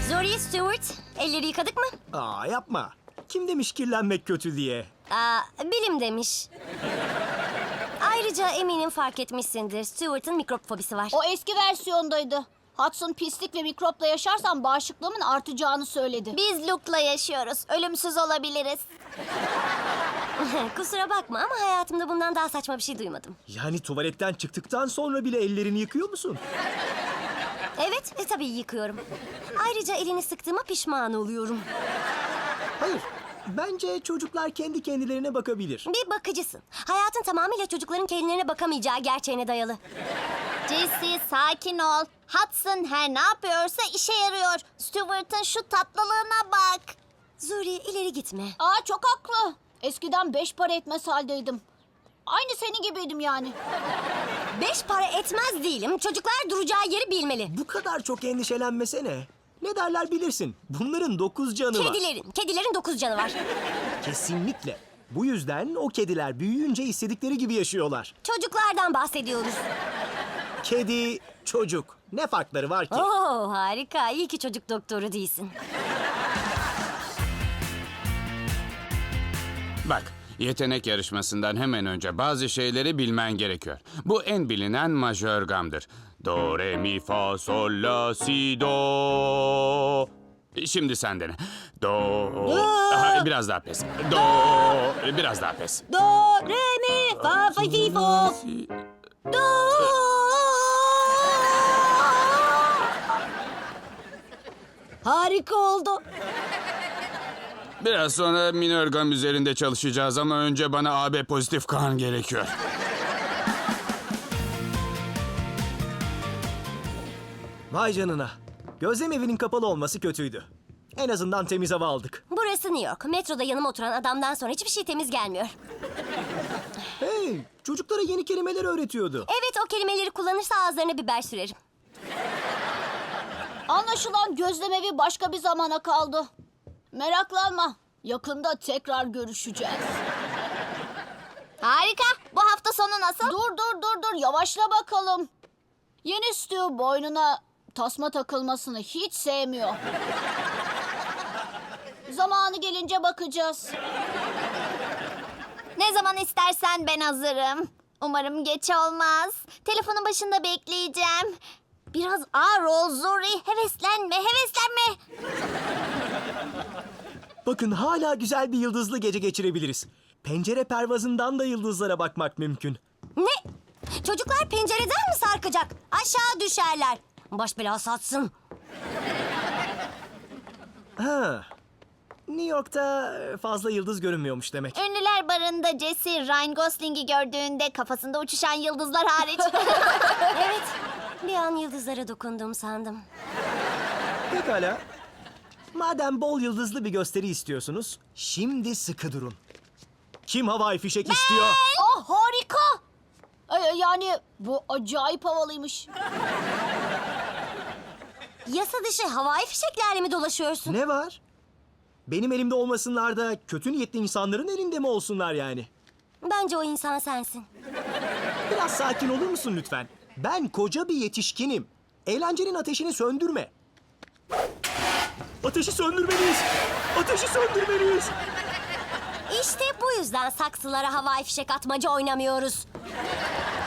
Zuri, Stewart, elleri yıkadık mı? Aa yapma. Kim demiş kirlenmek kötü diye? Bilim demiş. Ayrıca eminim fark etmişsindir. Stewart'ın mikrop fobisi var. O eski versiyondaydı. Hudson pislik ve mikropla yaşarsan bağışıklığımın artacağını söyledi. Biz Luke'la yaşıyoruz. Ölümsüz olabiliriz. Kusura bakma ama hayatımda bundan daha saçma bir şey duymadım. Yani tuvaletten çıktıktan sonra bile ellerini yıkıyor musun? Evet, tabii yıkıyorum. Ayrıca elini sıktığıma pişman oluyorum. Hayır. Bence çocuklar kendi kendilerine bakabilir. Bir bakıcısın. Hayatın tamamıyla çocukların kendilerine bakamayacağı gerçeğine dayalı. Jesse sakin ol. Hudson her ne yapıyorsa işe yarıyor. Stewart'ın şu tatlılığına bak. Zuri, ileri gitme. Çok haklı. Eskiden 5 para etmez haldeydim. Aynı senin gibiydim yani. 5 para etmez değilim. Çocuklar duracağı yeri bilmeli. Bu kadar çok endişelenmesene. Ne derler bilirsin. Bunların 9 canı var. Kedilerin 9 canı var. Kesinlikle. Bu yüzden o kediler büyüyünce istedikleri gibi yaşıyorlar. Çocuklardan bahsediyoruz. Kedi, çocuk. Ne farkları var ki? Oo, harika. İyi ki çocuk doktoru değilsin. Bak, yetenek yarışmasından hemen önce bazı şeyleri bilmen gerekiyor. Bu en bilinen majör gamdır. Do, re, mi, fa, sol, la, si, do. Şimdi sen dene. Do. Biraz daha pes. Do. Biraz daha pes. Do, re, mi, fa, fa, fi, fo. Do. Harika oldu. Biraz sonra minör gam üzerinde çalışacağız ama önce bana AB pozitif kan gerekiyor. Vay canına. Gözlem evinin kapalı olması kötüydü. En azından temiz hava aldık. Burası New York. Metroda yanıma oturan adamdan sonra hiçbir şey temiz gelmiyor. Hey, çocuklara yeni kelimeler öğretiyordu. Evet, o kelimeleri kullanırsa ağızlarına biber sürerim. Anlaşılan gözlemevi başka bir zamana kaldı. Meraklanma. Yakında tekrar görüşeceğiz. Harika. Bu hafta sonu nasıl? Dur. Yavaşla bakalım. Yeni Stu boynuna tasma takılmasını hiç sevmiyor. Zamanı gelince bakacağız. Ne zaman istersen ben hazırım. Umarım geç olmaz. Telefonun başında bekleyeceğim. Biraz ağır ol Zuri. Heveslenme. Bakın hala güzel bir yıldızlı gece geçirebiliriz. Pencere pervazından da yıldızlara bakmak mümkün. Ne? Çocuklar pencereden mi sarkacak? Aşağı düşerler. Baş belası atsın. Ha. New York'ta fazla yıldız görünmüyormuş demek. Ünlüler barında Jesse Ryan Gosling'i gördüğünde kafasında uçuşan yıldızlar hariç. Evet, bir an yıldızlara dokundum sandım. Pekala. Madem bol yıldızlı bir gösteri istiyorsunuz, şimdi sıkı durun. Kim havai fişek istiyor? Harika. Yani bu acayip havalıymış. Yasa dışı havai fişeklerle mi dolaşıyorsun? Ne var? Benim elimde olmasınlar da kötü niyetli insanların elinde mi olsunlar yani? Bence o insan sensin. Biraz sakin olur musun lütfen? Ben koca bir yetişkinim. Eğlencenin ateşini söndürme. Ateşi söndürmeliyiz. Ateşi söndürmeliyiz. İşte bu yüzden saksılara havai fişek atmaca oynamıyoruz.